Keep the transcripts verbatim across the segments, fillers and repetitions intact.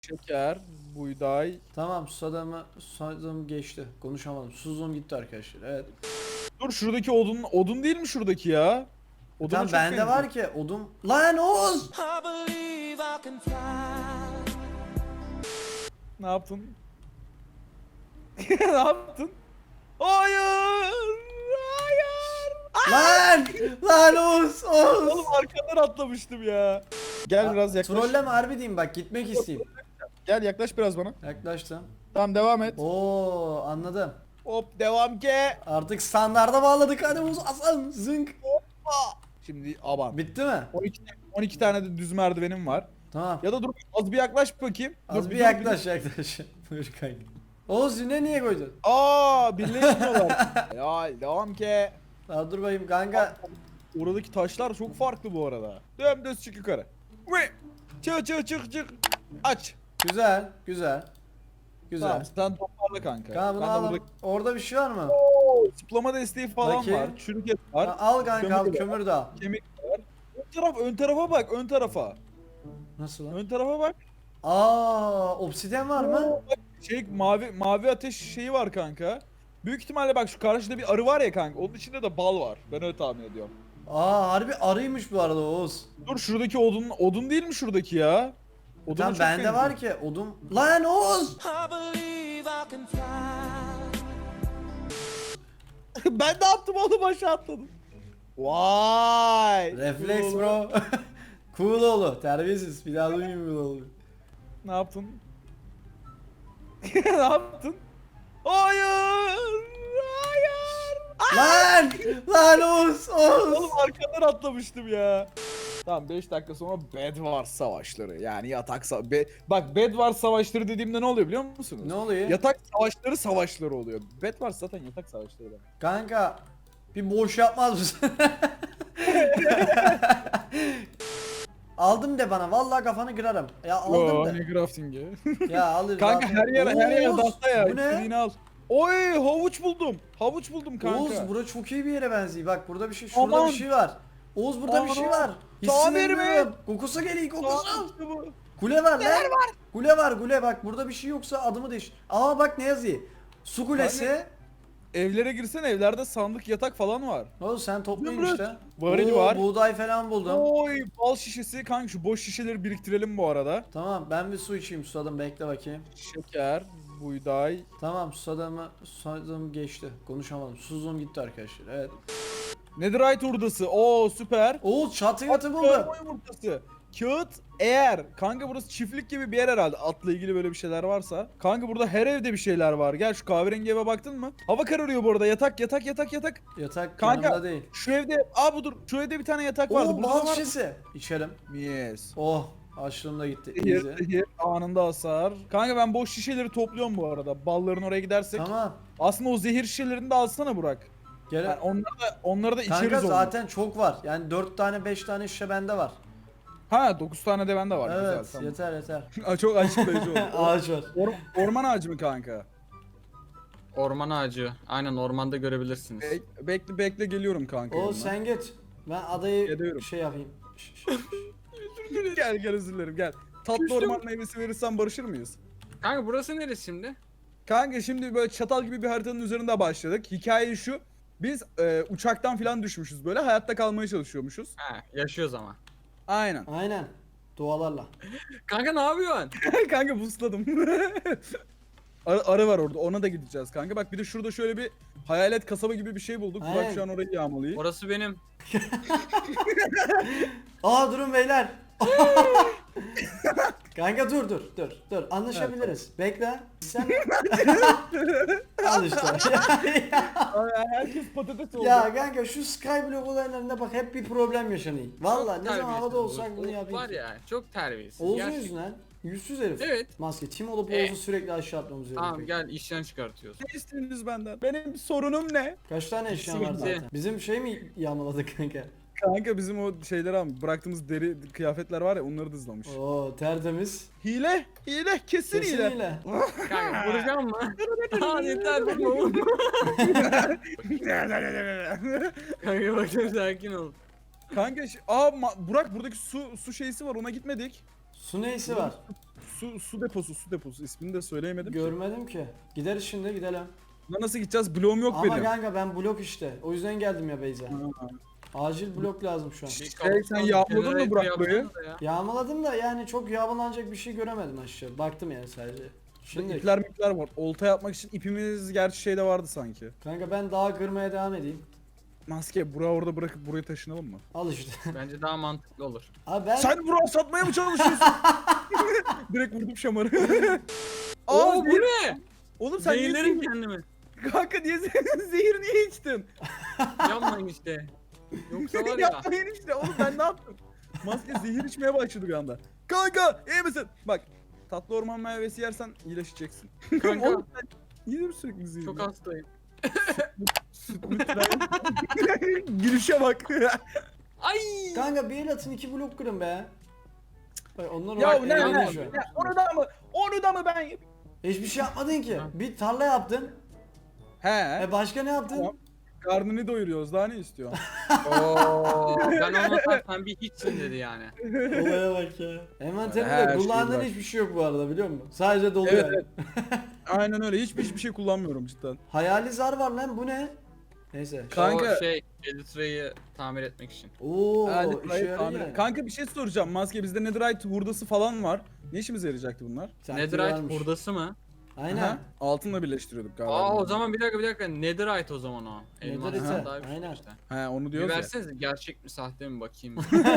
Şeker, buğday. Tamam susadığımı susadığım geçti. Konuşamadım. Susuzluğum gitti arkadaşlar. Evet. Dur şuradaki odun odun değil mi şuradaki ya? Oduna Tamam çok bende benziyor. var ki odum. Lan Oğuz! Ne yaptın? Ne yaptın? Hayır! Hayır! Lan! Lan Oğuz! Oğuz! Oğlum arkadan atlamıştım ya. Gel biraz yaklaş. Trolleme harbi diyeyim bak gitmek isteyeyim. Gel yaklaş biraz bana. Yaklaştım. Tamam devam et. Oo anladım. Hop devam ki. Artık standarda bağladık hadi Oğuz Hasan zınk. Şimdi aman. Bitti mi? on iki, on iki tane de düz merdivenim var. Tamam. Ya da dur az bir yaklaş bakayım. Az Dur, bir dur, yaklaş yaklaş. Buyur kanka. Oğuz yine niye koydun? Aa birleşmiyorlar. Ya devam ki. Daha dur bakayım kanka. Oradaki taşlar çok farklı bu arada. Dümdüz çık yukarı. Ve çık çık çık çık. Aç. Güzel güzel. Güzel. Tamam sen toparla kanka. Kanka bunu Ben de alalım. burada Orada bir şey var mı? zıplama desteği falan Bakayım. var. Çürük et var. Ha, al kanka al kömür de kömür de al. Kemik var. Ön taraf ön tarafa bak ön tarafa. Nasıl lan? Ön tarafa bak. Aa, obsidyen var mı? Oo, bak, şey mavi mavi ateş şeyi var kanka. Büyük ihtimalle bak şu karşıda bir arı var ya kanka. Onun içinde de bal var. Ben öyle tahmin ediyorum. Aa, harbi arıymış bu arada Oğuz. Dur şuradaki odun odun değil mi şuradaki ya? Oduna Tamam çok bende benziyor. var ki odum. Lan Oğuz! Ben ne yaptım oğlum aşağı atladım. Vay. Refleks Cool. bro. Cool oğlu. Terbiyesiz. Bir daha duymayayım cool oğlu. Ne yaptın? Ne yaptın? Hayır. Hayır. Lan! Lan Oğuz! Oğuz! Oğlum arkadan atlamıştım ya. Tamam beş dakika sonra Bed Wars savaşları yani yatak sa Be bak Bed Wars savaşları dediğimde ne oluyor biliyor musunuz? Ne oluyor? Yatak savaşları savaşları oluyor. Bed Wars zaten yatak savaşları demek. Kanka bir boş yapmaz mısın? Aldım de bana. Vallahi kafanı kırarım. Ya aldım Yo, da. ne crafting'i? Ya alır. Kanka zaten. her yer her yer Oğuz, dasta ya. Bu ne? İstediğini al. Oy havuç buldum. Havuç buldum kanka. Oğuz bura çok iyi bir yere benziyor. Bak burada bir şey, şurada Aman. bir şey var. Oğuz burada bir şey Aman. var. Tamir mi? Hissediyorum. Kokusu geliyor kokusu. Aa, işte bu. Kule var lan. var? Kule var kule bak burada bir şey yoksa adımı değiş. Aa bak ne yazıyor? Su kulesi. Evlere girsen evlerde sandık yatak falan var. Oğuz sen toplayın Zümrüt. işte. Varil Oo, var. buğday falan buldum. Oy bal şişesi kanka şu boş şişeleri biriktirelim bu arada. Tamam ben bir su içeyim susadım bekle bakayım. Şeker, buğday. Tamam susadığımı susadığım geçti. Konuşamadım. Susuzluğum gitti arkadaşlar. Evet. Netherite hurdası. Oo süper. Oğuz çatı yatı At buldum. kağıt yumurtası. Kağıt eğer. Kanka burası çiftlik gibi bir yer herhalde. Atla ilgili böyle bir şeyler varsa. Kanka burada her evde bir şeyler var. Gel şu kahverengi eve baktın mı? Hava kararıyor bu arada. Yatak yatak yatak yatak. Yatak Kanka yanımda değil. şu evde. Aa budur. Şu evde bir tane yatak vardı. Oo Burada bal var. şişesi. İçelim. Yes. Oh açlığım da gitti. Zehir, Easy. zehir, anında hasar. Kanka ben boş şişeleri topluyorum bu arada. Balların oraya gidersek. Tamam. Aslında o zehir şişelerini de alsana Burak. Gel. Yani onları da onları da Kanka içeriz onu. zaten çok var. Yani dört tane beş tane şişe bende var. Ha dokuz tane de bende var. Evet Güzel, tamam. yeter yeter. Aa, çok açıklayıcı oldu. Ağaç var. Or- orman ağacı mı kanka? Orman ağacı. Aynen ormanda görebilirsiniz. Be- bekle bekle geliyorum kanka. O yanına. sen git. Ben adayı Geliyorum. şey yapayım. Gel gel özür dilerim gel. Tatlı Küstüm. orman meyvesi verirsen barışır mıyız? Kanka burası neresi şimdi? Kanka şimdi böyle çatal gibi bir haritanın üzerinde başladık. Hikaye şu. Biz e, uçaktan falan düşmüşüz böyle hayatta kalmaya çalışıyormuşuz. Ha, yaşıyoruz ama. Aynen. Aynen. Dualarla. Kanka ne yapıyorsun? Kanka busladım. Arı, arı var orada ona da gideceğiz kanka. Bak bir de şurada şöyle bir hayalet kasaba gibi bir şey bulduk. Aynen. Burak şu an orayı yağmalıyor. Orası benim. Aa durun beyler. Kanka dur dur dur dur anlaşabiliriz. Bekle. Sen al işte. Ay, Herkes patates oldu. Ya kanka şu Skyblock olaylarında bak hep bir problem yaşanıyor. Valla ne zaman Terbiyesiz havada bu. olsak bunu O yapayım. Var ya çok terbiyesiz. Oğuz'un Gerçekten. yüzünden. Yüzsüz herif. Evet. Maske. Tim olup E. Oğuz'u sürekli aşağı atmamız Tamam gerekiyor. gel işten çıkartıyoruz. Ne istiyorsunuz benden? Benim sorunum ne? Kaç tane eşyan var Bitti. zaten? Bizim şey mi yağmaladık kanka? Kanka bizim o şeyleri abi bıraktığımız deri kıyafetler var ya onları da hızlamış. Oo tertemiz. Hile, hile, kesin, hile. Kesin Kanka vuracağım mı? Aa yeter vurma vurma. Kanka bakın sakin ol. Kanka şi- aa ma- Burak buradaki su su şeysi var ona gitmedik. Su neysi var? su su deposu su deposu ismini de söyleyemedim. Görmedim ki. Gideriz şimdi gidelim. Buna nasıl gideceğiz? Bloğum yok Ama benim. kanka ben blok işte. O yüzden geldim ya Beyza. Ha. Acil blok lazım şu an. Bir Şey, sen yağmaladın mı Burak burayı? yapsana da ya. Yağmaladım da yani çok yağmalanacak bir şey göremedim aşağı. Baktım yani sadece. Şimdi İpler mipler var. Olta yapmak için ipimiz gerçi şeyde vardı sanki. kanka ben dağa kırmaya devam edeyim. Maske bura orada bırakıp buraya taşınalım mı? Al işte. Bence daha mantıklı olur. Abi ben Sen Burak'ı satmaya mı çalışıyorsun? Direkt vurdum şamarı. Oo bu zehir- ne? Oğlum sen niye Zehirlerim zehir... kendimi. Kanka niye zehir, zehir niye içtin? Yanmayın işte. Yoksa var ya. Yapmayın işte oğlum ben ne yaptım? Maske zehir içmeye başladı bir anda. Kanka iyi misin? Bak tatlı orman meyvesi yersen iyileşeceksin. Kanka Oğlum sen niye mi sürekli zehir? çok hastayım. Süt müt falan. Gülüşe bak. Ay. kanka bir el atın iki blok kırın be. Bak onlar ya olarak ne ne? eğleniyor şu an. Ya, onu da mı? Onu da mı ben yapayım? Hiçbir şey yapmadın ki. Ha. Bir tarla yaptın. He. E başka ne yaptın? Tamam. Karnını doyuruyoruz daha ne istiyor? Oo. Ben olmasam sen bir hiçsin dedi yani. Olaya bak ya. Envanterinde Her de şey kullandığın var. hiçbir şey yok bu arada biliyor musun? Sadece dolu Evet, yani. evet. Aynen öyle. Hiçbir hiçbir şey kullanmıyorum cidden. Hayali zar var lan bu ne? Neyse. Kanka- O şey Elytra'yı tamir etmek için. Oo Yani işe gayet yarıyor tahmin- yani. Kanka bir şey soracağım. Maske bizde netherite hurdası falan var. Ne işimize yarayacaktı bunlar? Sanki Netherite varmış. hurdası mı? Aynen. Aha, altınla birleştiriyorduk galiba. Aa o zaman bir dakika bir dakika Netherite o zaman o. Elmas Netherite, daha bir şey aynen. işte. He onu Bir diyoruz ya. versenize gerçek mi sahte mi bakayım.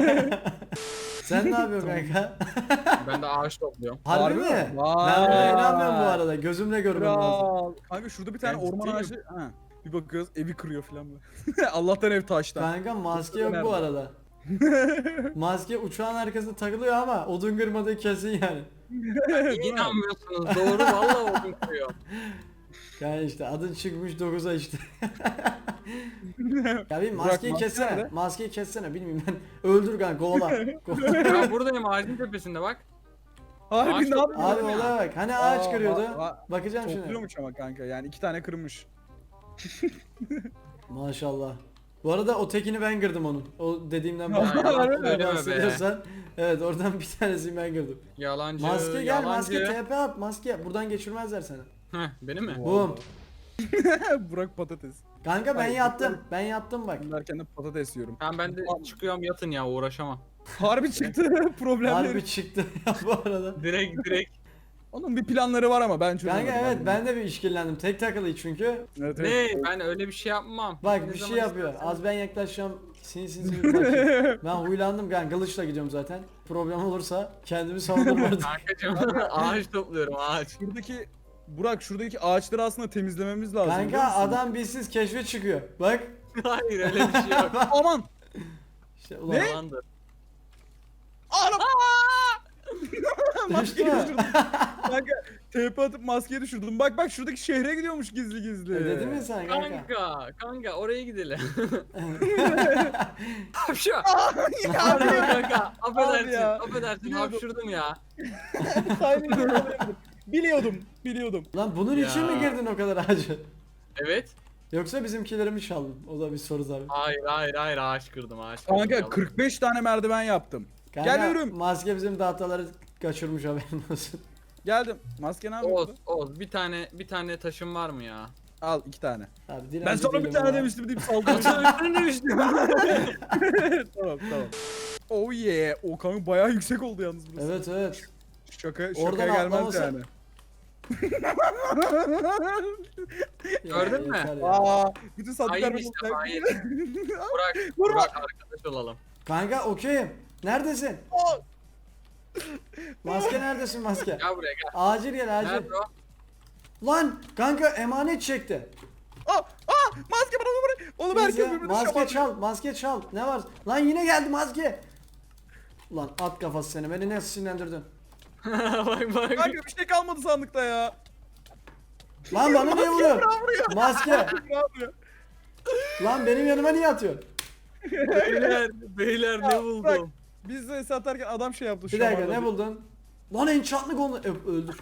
Sen ne yapıyorsun kanka? Ben de ağaç topluyorum. Harbi, Harbi mi? mi? Ben Vay. buna inanmıyorum bu arada. Gözümle görmem lazım. Kral. Kanka şurada bir tane Ben orman ciddiyim. ağacı. Ha. Bir bakıyoruz evi kırıyor falan böyle. Allah'tan ev taştan. Kanka maske yok Nerede? bu arada. Maske uçağın arkasında takılıyor ama odun kırmadığı kesin yani. İnanmıyorsunuz doğru vallahi odun kırıyor. Kanka işte adın çıkmış dokuza işte. Ya bir Burak, maskeyi maske kessene. nerede? Maskeyi kessene bilmiyorum ben. Öldür kanka kovala. Kovala. Ya buradayım ağacın tepesinde bak. Harbi Ağaç ne yapıyorsun? Abi ya. olaya bak. Hani ağaç Aa, kırıyordu. aa, Bakacağım şimdi. Topluyormuş ama kanka yani iki tane kırmış. Maşallah. Bu arada o tekini ben kırdım onun. O dediğimden Ya, yalan söyleme be. bahsediyorsan. Evet oradan bir tanesini ben kırdım. Yalancı. Maske gel yalancı. maske T P at maske. Buradan geçirmezler seni. Heh beni mi? Boom. Burak patates. Kanka ben Hayır, yattım. Ben yattım bak. Derken de patates yiyorum. Tamam ben de çıkıyorum yatın ya uğraşamam. Harbi çıktı problemleri. Harbi çıktı ya bu arada. Direkt direkt. Onun bir planları var ama ben çözemedim. Kanka evet abi. ben de bir işkillendim. Tek takılı çünkü. Evet, Ne evet. ben öyle bir şey yapmam. Bak Ne bir şey zaman yapıyor. istersen. Az ben yaklaşacağım. Sinsi sinsi bir bakayım. Ben huylandım kanka. Kılıçla gidiyorum zaten. Problem olursa kendimi savunurum orada. Kankacım ağaç topluyorum ağaç. Şuradaki Burak şuradaki ağaçları aslında temizlememiz lazım. biliyor Kanka musun? adam bizsiz keşfe çıkıyor. Bak. Hayır öyle bir şey yok. Aman. İşte ulan. Yalandır. Araba. Düştü Maskeyi mü? düşürdüm. Kanka T P atıp maskeyi düşürdüm. Bak bak şuradaki şehre gidiyormuş gizli gizli. E, dedim ya sana kanka. Kanka, kanka oraya gidelim. Hapşu. ya Pardon kanka, affedersin, ya. affedersin, Biliyordum. hapşurdum ya. Timing yakalayamadım. Biliyordum. Biliyordum. Lan bunun için Ya. mi girdin o kadar ağacı? Evet. Yoksa bizimkileri mi çaldın? O da bir soru tabii. Hayır, hayır, hayır, ağaç kırdım, ağaç kırdım. Kanka yalan. kırk beş tane merdiven yaptım. Kanka, Geliyorum. maske bizim dataları kaçırmış haberin olsun. Geldim. Maske ne Oğuz, yapıyordu? Oğuz, bir tane, bir tane taşın var mı ya? Al iki tane. Abi dilenci Ben sana bir değilim tane ama. demiştim deyip saldırdım. Ben demiştim. Tamam tamam. Oh yeah. O kanka bayağı yüksek oldu yalnız burası. Evet evet. Şaka, Oradan şakaya gelmez atlamasa- yani. Gördün mü? yeter ya. Aa, bütün sandıklar Hayır benim işte, olacak. hayır. Burak, Vurma. Burak arkadaş olalım. Kanka okeyim. Neredesin? Aa, Maske neredesin maske? Gel buraya gel. Acil gel acil. Nerede o? Lan kanka emanet çekti. aa, aa, maske bana bana. Oğlum herkes Neyse, birbirini maske şamarlıyor. çal, maske çal. Ne var? Lan yine geldi maske. Lan at kafası seni. Beni nasıl sinirlendirdin? bak bak. Kanka bir şey kalmadı sandıkta ya. Lan bana niye vuruyorsun? Bravo vuruyor. Maske. Bravo. Lan benim yanıma niye atıyorsun? Beyler, beyler ne Ya, bırak. buldum? Biz de satarken adam şey yaptı. Bir dakika şamarladı. ne buldun? Lan enchantlı gonu Öp, öldür.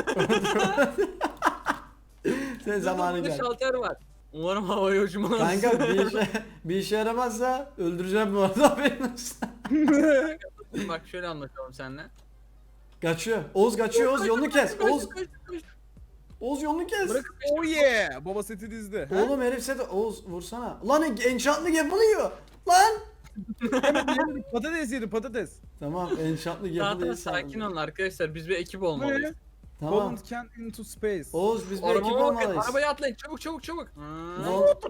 Sen zamanı Burada gel. şalter var. Umarım havaya uçmaz. Kanka bir işe, bir işe yaramazsa öldüreceğim bu arada haberin olsun. Bak şöyle anlatalım seninle. Kaçıyor. Oğuz kaçıyor. Oğuz yolunu kes. Koş, Oğuz, koş, koş. Oğuz yolunu kes. Bırak. Oh yeah. Baba seti dizdi. Ha? Oğlum herif seti. Oğuz vursana. Lan enchantlı yapılıyor. Lan. Patates yedi patates. Tamam enchantlı Tamam yapılıyor. tamam sakin olun arkadaşlar. Biz bir ekip Bu ne? olmalıyız. Tamam. Holland can into space. Oğuz biz bir Araba ekip bakın, olmalıyız. arabaya atlayın çabuk çabuk çabuk. Ne oldu?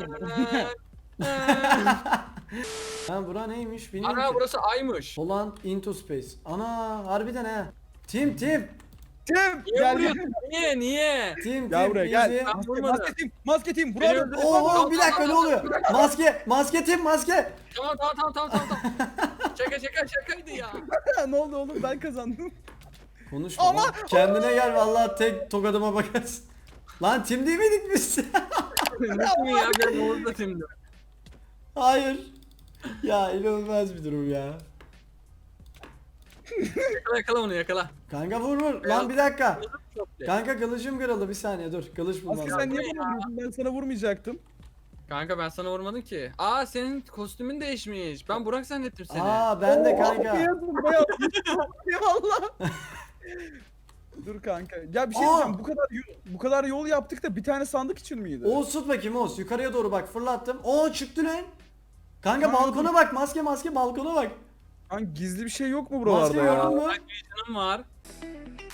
Ha bura neymiş bilmiyorum Ana ki. burası aymış. Holland into space. Ana harbiden he. Tim Tim. Tim Niye gel gel. vuruyorsun? Niye niye? Tim Gel Tim. buraya easy. gel. Ben vurmadım. Maske tim, maske tim. Beni Bravo. öldürdün. Oo bir dakika ne oluyor? Maske, maske Tim maske. Tamam tamam tamam tamam tamam. tamam. şaka şaka şakaydı ya. Ne oldu oğlum ben kazandım. Konuşma Ama- lan. Kendine gel vallahi tek tokadıma bakarsın. Lan Tim değil miydik biz? Nasıl ya ben orada şimdi. Hayır. Ya inanılmaz bir durum ya. Yakala yakala onu yakala. Kanka vur vur. Lan bir dakika. Çok iyi. Kanka kılıcım kırıldı bir saniye dur. Kılıç bulmam Maske lazım. sen niye Ya. bana vuruyorsun? Ben sana vurmayacaktım. Kanka ben sana vurmadım ki. Aa senin kostümün değişmiş. Ben Burak zannettim seni. Aa ben de kanka. Beyaz mı? Beyaz. Eyvallah. Dur kanka. Ya bir şey Aa! diyeceğim. Bu kadar yol, bu kadar yol yaptık da bir tane sandık için miydi? Oğuz tut bakayım Oğuz. Yukarıya doğru bak fırlattım. Oo çıktı lan. Kanka Ha, balkona bak maske maske balkona bak. Lan gizli bir şey yok mu Maske buralarda ya? gördün mü? Bak vision'ım var.